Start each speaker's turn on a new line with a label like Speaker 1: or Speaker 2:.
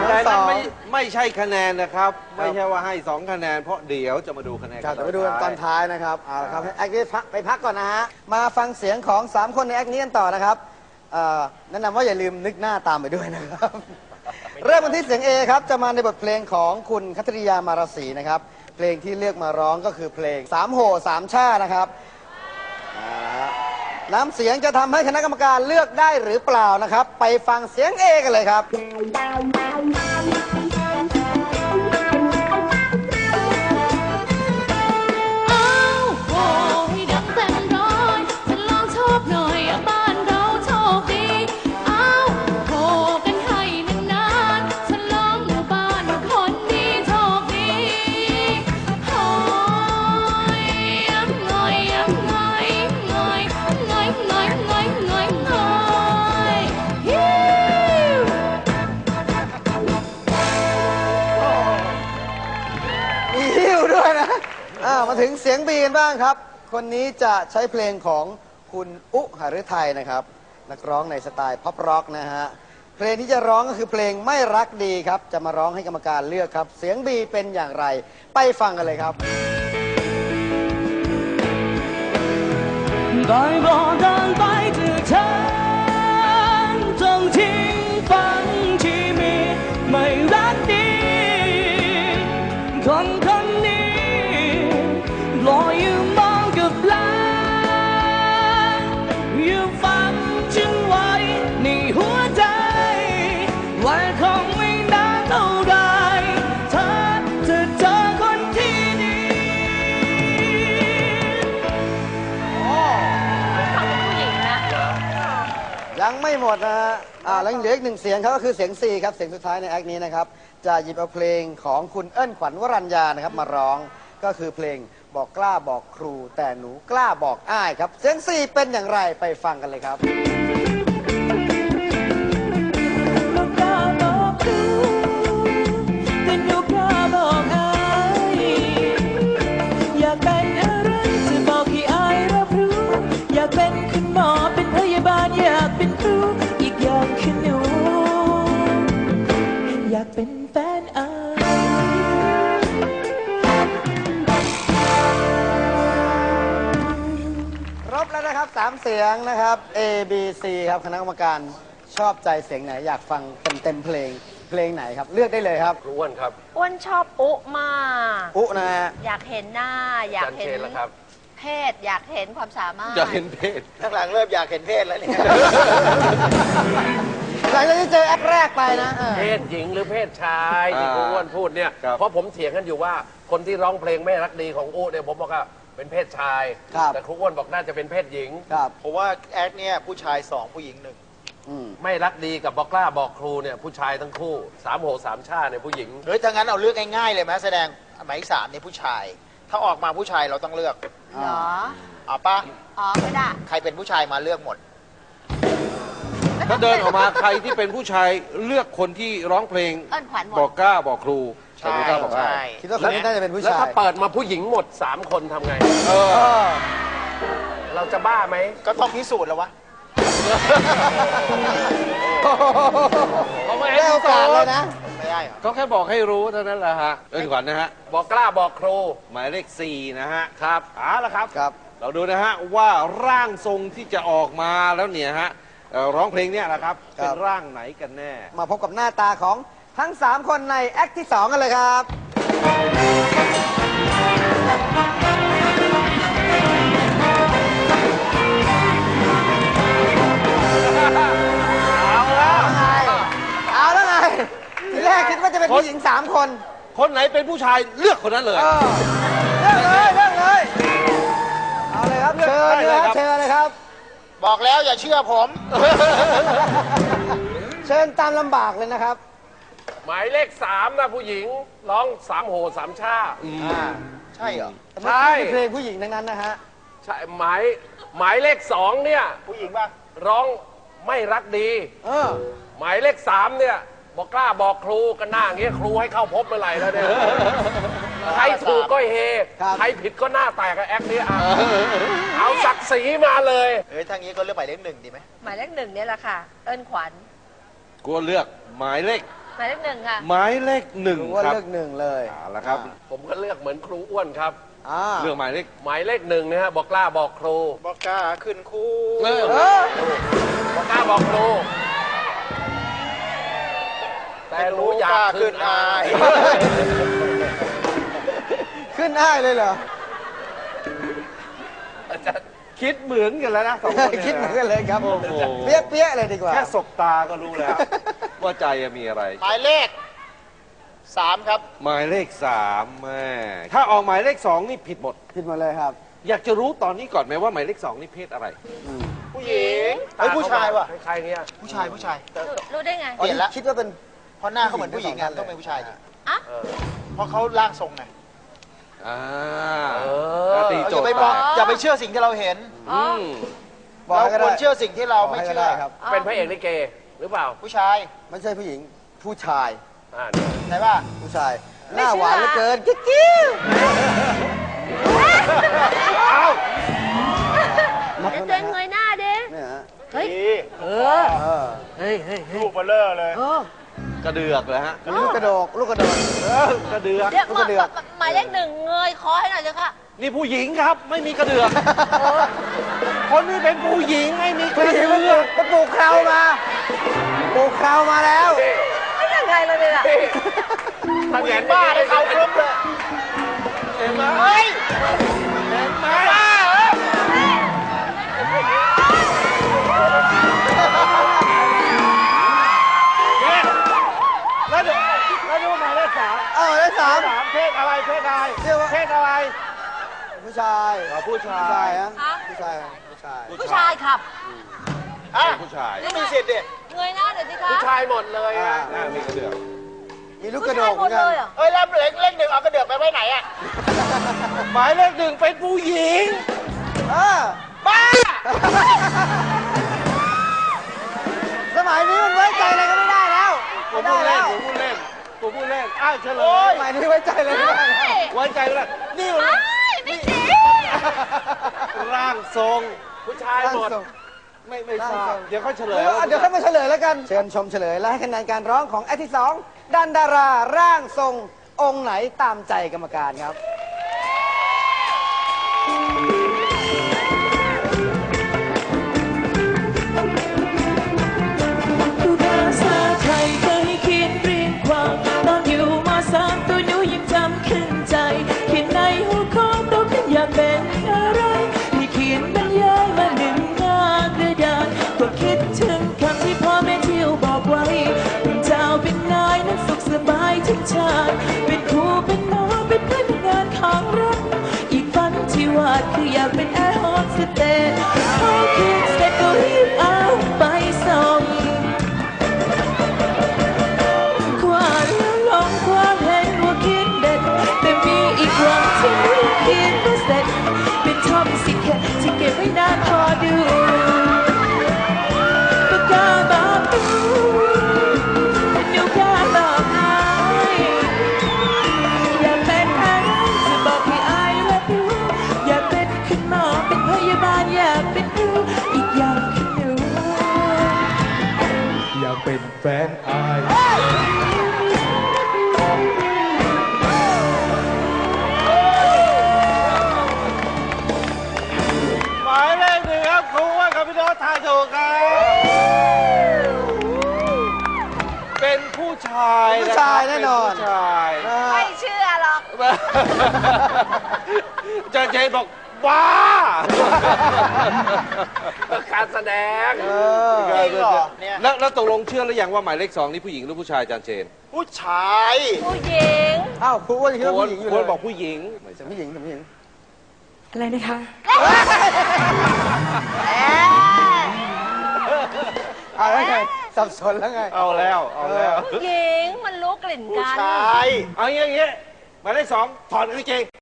Speaker 1: แต่นั้นไม่ใช่คะแนนนะครับไม่ใช่ว่าให้2คะแนนเพราะเดี๋ยวจะมาดูคะแนน
Speaker 2: จะไปดูกันตอนท้ายนะครับเอาละครับแอคนี้ไปพักก่อนนะฮะมาฟังเสียงของ3คนในแอคนี้กันต่อนะครับแนะนำว่าอย่าลืมนึกหน้าตามไปด้วยนะครับเริ่มกันที่เสียง A ครับจะมาในบทเพลงของคุณคัตริยามาราศีนะครับเพลงที่เลือกมาร้องก็คือเพลง3โห่3ช่านะครับน้ำเสียงจะทำให้คณะกรรมการเลือกได้หรือเปล่านะครับไปฟังเสียง A กันเลยครับมาถึงเสียงบีกันบ้างครับคนนี้จะใช้เพลงของคุณอุหฤทัยนะครับนักร้องในสไตล์พ็อปร็อกนะฮะเพลงที่จะร้องก็คือเพลงไม่รักดีครับจะมาร้องให้กรรมการเลือกครับเสียงบีเป็นอย่างไรไปฟังกันเลยครับได้บอกเดินไปถึงฉันจงทิ้งฝันที่มีไม่รักดีคนนี้รออยู่มองกับหลังอยู่ฝันฉันไว้ในหัวใจว่าคงไม่นานเท่าไรเธอจะเจอคนที่ดีฟังเป็นผู้หญิงนะยังไม่หมดนะฮะแล้วเหลืออีก1เสียงครับก็คือเสียง C ครับเสียงสุดท้ายในแอคนี้นะครับจะหยิบเอาเพลงของคุณเอิ้นขวัญวรัญญานะครับมาร้องก็คือเพลงบอกกล้าบอกครูแต่หนูกล้าบอกอ้ายครับเสียง C เป็นอย่างไรไปฟังกันเลยครับบอกกล้าบอกครูแต่หนูกล้าบอกอ้ายอยากเป็นอะไรจะบอกให้อ้ายรับรู้อยากเป็นคุณหมอเป็นพยาบาลอยากเป็นครูอีกอย่างคือหนูอยากเป็นแฟนอ้ายครบแล้วนะครับ3เสียงนะครับ A B C ครับคณะกรรมการชอบใจเสียงไหนอยากฟังเต็มเพลงไหนครับเลือกได้เลยครับ
Speaker 3: อ้วนครับ
Speaker 4: อ้วนชอบอุมาก
Speaker 2: อุนะฮะ
Speaker 4: อยากเห็นหน้าอยากเห็นเพศอยากเห็นความสามารถ
Speaker 1: อยากเห็นเพศ
Speaker 2: ข้างหลังเริ่มอยากเห็นเพศแล้วเนี่ยหลังจากที่เจอแอปแรกไปนะ
Speaker 3: เพศหญิงหรือเพศชายที่ครูอ้วนพูดเนี่ยเพราะผมเถียงกันอยู่ว่าคนที่ร้องเพลงไม่รักดีของอู้เนี่ยผมบอกว่าเป็นเพศชายแต่ครูอ้วนบอกน่าจะเป็นเพศหญิง
Speaker 2: เพราะว่าแอดเนี่ยผู้ชาย2ผู้หญิง1
Speaker 3: ไม่รักดีกับบอกกล้าบอกครูเนี่ยผู้ชายทั้งคู่3โห3ช่าเนี่ยผู้หญิง
Speaker 2: เฮ้ยถ้างั้นเอาเลือกง่ายๆเลยไหมแสดงหมาย3เนี่ยผู้ชายถ้าออกมาผู้ชายเราต้องเลือก
Speaker 4: เหรอ
Speaker 2: เอาป่ะ
Speaker 4: ไม่ได้
Speaker 2: ใครเป็นผู้ชายมาเลือกหมด
Speaker 1: ถ้าเดินออกมาใครที่เป็นผู้ชายเลือกคนที่ร้องเพลงบอกกล้าบอกครู
Speaker 2: ใช่คิดว่าคนนี้น่าจะเป็นผู้ชาย
Speaker 3: แล้วถ้าเปิดมาผู้หญิงหมด3คนทำไงเราจะบ้าไหม
Speaker 2: ก็ต้องพิสูจน์แล้ววะ
Speaker 1: ไม่ได้โอกาสเลยนะ
Speaker 2: ไม่ได้
Speaker 1: ก็แค่บอกให้รู้เท่านั้นแหละฮะเอิ้นขวัญนะฮะ
Speaker 3: บอกกล้าบอกครู
Speaker 1: หมายเลข4นะฮะ
Speaker 3: ครับ
Speaker 1: ละครับเราดูนะฮะว่าร่างทรงที่จะออกมาแล้วเนี่ยฮะร้องเพลงเนี่ยนะครับเป็นร่างไหนกันแน่
Speaker 2: มาพบกับหน้าตาของทั้ง3คนในแอคที่2กันเลยครับเอาแล้วไงทีแรกคิดว่าจะเป็นผู้หญิง3คน
Speaker 1: คนไหนเป็นผู้ชายเลือกคนนั้นเลย
Speaker 2: เลือกเลยเอาเลยครับเชิญเลยครับบอกแล้วอย่าเชื่อผมเชิญตามลำบากเลยนะครับ
Speaker 3: หมายเลข3นะผู้หญิงร้อง3โห3ช่า
Speaker 2: ใช่เหรอ
Speaker 3: ใช่
Speaker 2: เพลงผู้หญิงทั้งนั้นนะฮะ
Speaker 3: ใช่หมายเลข2เนี่ย
Speaker 2: ผู้หญิงป่ะ
Speaker 3: ร้องไม่รักดีหมายเลข3เนี่ยบอกกล้าบอกครูกันหน้าอย่างเงี้ยครูให้เข้าพบเมื่อไหร่แล้วเนี่ยใครถูกก็เฮใครผิดก็หน้าแตกกับแอคนี้เอาศักดิ์ศรีมาเลย
Speaker 2: ทางนี้ก็เลือกหมายเลข1ดีไหม
Speaker 4: หมายเลข1เนี่ยแหละค่ะเอิ้นขวัญ
Speaker 1: กูเลือกหมายเลข
Speaker 4: หมายเลขหนึ่งค่ะ
Speaker 1: หมายเลขหนึ่ง
Speaker 2: ว่า
Speaker 1: ครับ
Speaker 2: เลือกหนึ่งเลย
Speaker 1: เอาละครับ
Speaker 3: ผมก็เลือกเหมือนครูอ้วนครับ
Speaker 1: เลือกหมายเลข
Speaker 3: หมายเลขหนึ่งนะฮะบอกกล้าบอกครู
Speaker 5: บอกกล้าขึ้นคู่
Speaker 1: เออ
Speaker 3: บอกกล้าบอกครู แต่หนูอยากขึ้นอาย
Speaker 2: ขึ้นได้เลยเหรอ
Speaker 1: คิดเหมือนกันแล้วนะสองคนเนี่ย
Speaker 2: คิดเหมือนกันเลยครับ
Speaker 1: โอ้โห
Speaker 2: เปี้ยเปี้ยๆเลยดีกว่า
Speaker 1: แค่สบตาก็รู้แล้ว ว่าใจมีอะไร
Speaker 5: หมายเลข 3 ครับ
Speaker 1: หมายเลข3แม่ถ้าออกหมายเลข2นี่ผิดหมด
Speaker 2: ผิดหมดเลยครับ
Speaker 1: อยากจะรู้ตอนนี้ก่อนไหมว่าหมายเลข2นี่เพศอะไร
Speaker 5: ผู้หญิงเฮ้ยผู้ชายว่ะ
Speaker 3: ใครๆเงี้ย
Speaker 5: ผู้ชาย
Speaker 4: รู้ได้ไง
Speaker 5: เปลี่ยนละ
Speaker 2: คิดว่าเป็น
Speaker 5: เพราะหน้าเขาเหมือนผู้หญิงอ่ะต้องเป็นผู้ชายดิ
Speaker 4: อ่ะ
Speaker 5: เพราะเขาร่างทรงไง
Speaker 1: อ่า
Speaker 3: อ
Speaker 1: ตี
Speaker 5: เรา
Speaker 1: โจ
Speaker 5: อย่า
Speaker 1: ท
Speaker 5: ไป
Speaker 1: ย์
Speaker 5: ม
Speaker 1: แต
Speaker 5: อง
Speaker 1: ก
Speaker 5: อย่าไปเชื่อสิ่งที่เราเห็น
Speaker 4: อ๋อ
Speaker 1: อืม
Speaker 2: บอก
Speaker 5: เรา
Speaker 2: ให้ก็
Speaker 5: คว
Speaker 2: ได้
Speaker 5: รเชื่อสิ่งที่เราไม่
Speaker 2: บอกให้ก็
Speaker 5: เชื่อ
Speaker 2: ได้ครับ
Speaker 3: เป็นพระเอกลิเกหรือเปล่า
Speaker 5: ผู้ชาย
Speaker 2: ไม่ใช่ผู้หญิง ผู้ชาย
Speaker 3: เนี่ย
Speaker 5: ไหนว่า
Speaker 2: ผู้ชาย หน้าหวานเหลือเกินกิ๊กกิ๊ว
Speaker 4: เดี๋ยวตัวเองเงยหน้าดิ
Speaker 2: เนี่ยฮะ
Speaker 4: เฮ้ย
Speaker 5: ดี
Speaker 2: เออ
Speaker 5: ลูกเบลเลอร์เลย
Speaker 1: กระเดือกเลยฮะ
Speaker 2: ลูกกระโดก ลูกกระโดก
Speaker 1: กระเดือก
Speaker 4: เดี๋ยว
Speaker 2: ลูกกระเดือก
Speaker 4: หมายเลขหนึ่งเงยคอให้หน่อยเถอะค่ะ
Speaker 1: นี่ผู้หญิงครับ ไม่มีกระเดือก คนนี้เป็นผู้หญิงไม่มีกระเดือก
Speaker 2: มันปลูกเคราวมาปลูกเคราวมาแล้ว
Speaker 4: ไม่ยังไงเลยเนี่ย
Speaker 5: ผู้หญิงบ้าได้เขาครบเลย
Speaker 1: เห็นไหม
Speaker 5: เฮ้ย
Speaker 1: เห็นไหม
Speaker 5: บ้าเหรอ
Speaker 1: เนี่ยแล้วดูหมายเลข3
Speaker 2: ได้สาม
Speaker 1: เพศอะไรเพศอะไร
Speaker 2: เรียกว่า
Speaker 1: เพศอะไร
Speaker 2: ผู้ชาย
Speaker 1: ผู้ชา
Speaker 2: ผู้ชาย
Speaker 1: ย
Speaker 2: ฮะผู้ชายผู้ชาย
Speaker 4: ผู้ชายขับ
Speaker 5: อ่ะ
Speaker 1: ผู้ชาย
Speaker 5: นี่มีสิทธิ์ดิ
Speaker 4: เงยหน้าหน่อยสิคะ
Speaker 3: ผู้ชายหมดเลย
Speaker 1: อ่า
Speaker 3: อะ
Speaker 1: หน้ามีกระเดือก
Speaker 2: มีลูกก
Speaker 4: ผู้
Speaker 2: ระโด
Speaker 4: ชาย
Speaker 2: ก
Speaker 4: ห
Speaker 2: เห
Speaker 4: ม
Speaker 2: มือ
Speaker 4: ด
Speaker 2: นกั
Speaker 4: เล
Speaker 2: น
Speaker 4: ยเหรอ
Speaker 5: เอ้ยแล้วเลขหนึ่งเอากระเดือกไปไว้ไหนอ่ะ
Speaker 1: หมายเลข1เป็นผู้หญิง
Speaker 5: บ้า
Speaker 2: สมัยนี้มันไว้ใจอะไรก็ไม่ได้แล้ว
Speaker 1: ผม
Speaker 2: ไม่
Speaker 1: พู
Speaker 2: ได้
Speaker 1: ดเล่
Speaker 2: แล้
Speaker 1: น
Speaker 2: ว
Speaker 1: ผมพูดเล่นผมพูดเล่นอ้าวเฉลย
Speaker 2: สมัยนี้ไว้ใจอะไรไม่ได้แล้ว
Speaker 1: ไว้ใจไม่ได้นี่
Speaker 4: ไม่ไม่จริง
Speaker 1: ร่างทรง
Speaker 3: ผู้ชายหมด
Speaker 1: ไม่ทราบเดี๋ยวค่อยเฉลย
Speaker 2: เดี๋ยวค่อยมาเฉลยแล้วกัน เชิญชมเฉลยและให้คะแนนการร้องของแอคที่สองดันดาราร่างทรงองค์ไหนตามใจกรรมการครับ
Speaker 6: ภาษาไทยเคยเขียนเรียงความตอนอยู่มสามตัวหนูยังจำขึ้นใจเขียนในหัวข้อเราขึ้นอยากเป็นอะไรที่เขียนบรรยายมาหนึ่งหน้ากระดาษก็คิดถึงคำที่พ่อแม่เที่ยวบอกไว้เป็นเจ้าเป็นนายนั้นสุขสบายทุกชาติเป็นครูเป็นหมอเป็นเพื่อนเป็นงานของรักอีกฝันที่วาดคืออยากเป็นแอร์โฮสเตสพอคิดเสร็จก็รีบเอาไปส่ง ความหลงความเห็นว่าคิดเด็ดแต่มีอีกวันที่ไม่คิดว่าเสร็จเป็นท็อปสิแค่ที่เก็บไว้นานพอดูปากกาบอกดูนิ้วกาบอกอายอยากเป็นอะไรจะบอกให้อายรับรู้อยากเป็นคุณหมอเป็นพยาบาลอยากเป็นครูอีกอย่างคือหนู
Speaker 7: อยากเป็นแฟนอาย
Speaker 1: หมายเลข1ครับครูว่ากับพี่โน้ตทายถูกครับเป็นผู้ชาย
Speaker 2: ผู้ชายแน่นอน
Speaker 1: เป็ผู้ชาย
Speaker 4: ไม่เชื่อหรอก
Speaker 1: อาจารย์เจนบอกบ้า
Speaker 3: การแสดง
Speaker 5: จริงเหรอเนี่ย
Speaker 1: แล้วตกลงเชื่อหรือยังว่าหมายเลข2นี่ผู้หญิงหรือผู้ชายอาจารย์เจน
Speaker 5: ผู้ชาย
Speaker 4: ผู้หญิง
Speaker 2: อ้าวครูอ้วนยังคิดว่าผู้หญิงอยู่
Speaker 1: ค
Speaker 2: เล
Speaker 1: น
Speaker 2: ย
Speaker 1: บอกผู้หญิง
Speaker 2: แต่ผู้หญิงแต่ผู้หญิง
Speaker 6: อะไรนะคะ
Speaker 2: เอาแล้วไงสับสนแล้วไง
Speaker 1: เอาแล้ว
Speaker 4: ผู้หญิงมันรู้กลิ่น
Speaker 5: ผู้
Speaker 4: กัน
Speaker 5: ชาย
Speaker 1: เอาอย่างงี้หมายเลข2ถอดกางเกง